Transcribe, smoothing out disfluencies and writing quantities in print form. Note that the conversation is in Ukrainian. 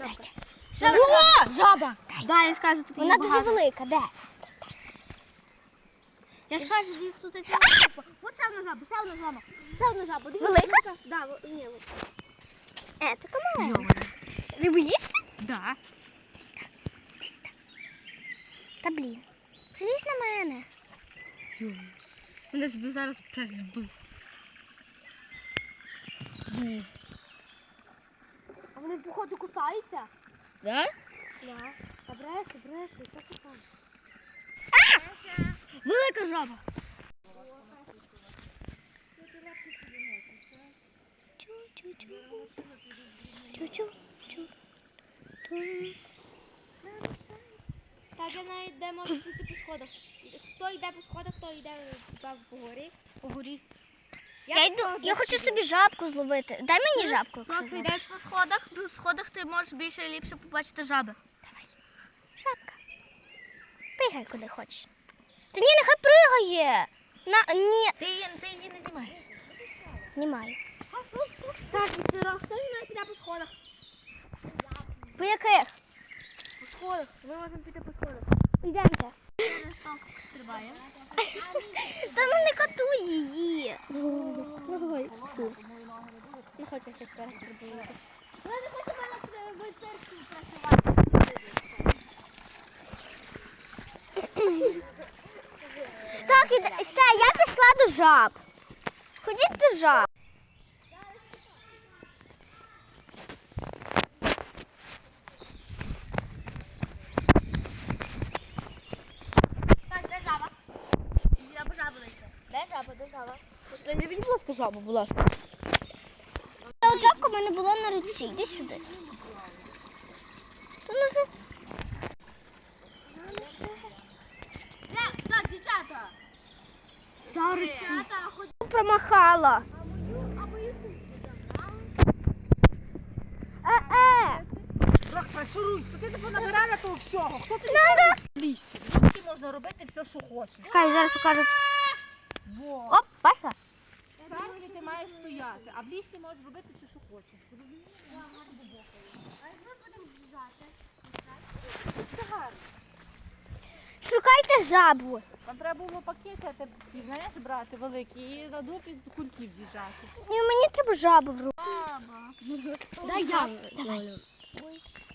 О, жаба! Да, я скажу, тут Вона дуже велика, де? Я ж кажу, їх тут ось ще одна жаба, ще одна жаба. Ще одна жаба. Дивіться, Велика? Да, ні. Така маленька. Не боїшся? Да. Та блін. Залізь на мене. Мене собі зараз пес збив. А вони, походу, кусаються? Да? Да. А брешу, це кусаються. Велика жаба. Так, я навіть де можу піти по сходах. Хто йде по сходах, хто йде по горі. По горі. Я хочу собі жабку зловити. Дай мені жабку. якщо Макс, зловиш. йдеш по сходах ти можеш більше і ліпше побачити жаби. Давай. Жабка. Пригай куди хочеш. Та ні, нехай пригає. Ні. Ти її не знімаєш. Знімаю. Так, це хто не піде по сходах? По яких? По сходах. Ми можемо піти по сходах. Йдемте. Стрибає. Та ну не катуй її. Не хочу щось перестрибувати. Вона не хоче мене в церкві працювати. Так, все, я пішла до жаб. Ходіть до жаб. Так, де жаба? Жаба знайти. Де жаба? Не будь, будь ласка, жабу, будь ласка. Та от жабка в мене була на руці. Іди сюди. Так, дівчата. Зараз Дівчата, хоч промахала. Рокса, шуруй, ти не понабирала того всього. Хто ти в лісі? В лісі можна робити все, що хочеш. Чекай, зараз покажу. Во. Оп, бачила? В церкві ти маєш стояти, а в лісі можеш робити все, що хочеш. А як ми будемо біжати? Це гарно. Шукайте жабу. Там треба було пакети, знаєш, брати великі і на дуб із кульків з'їжджати. Ні, мені треба жабу в руку. Дай я. Давай.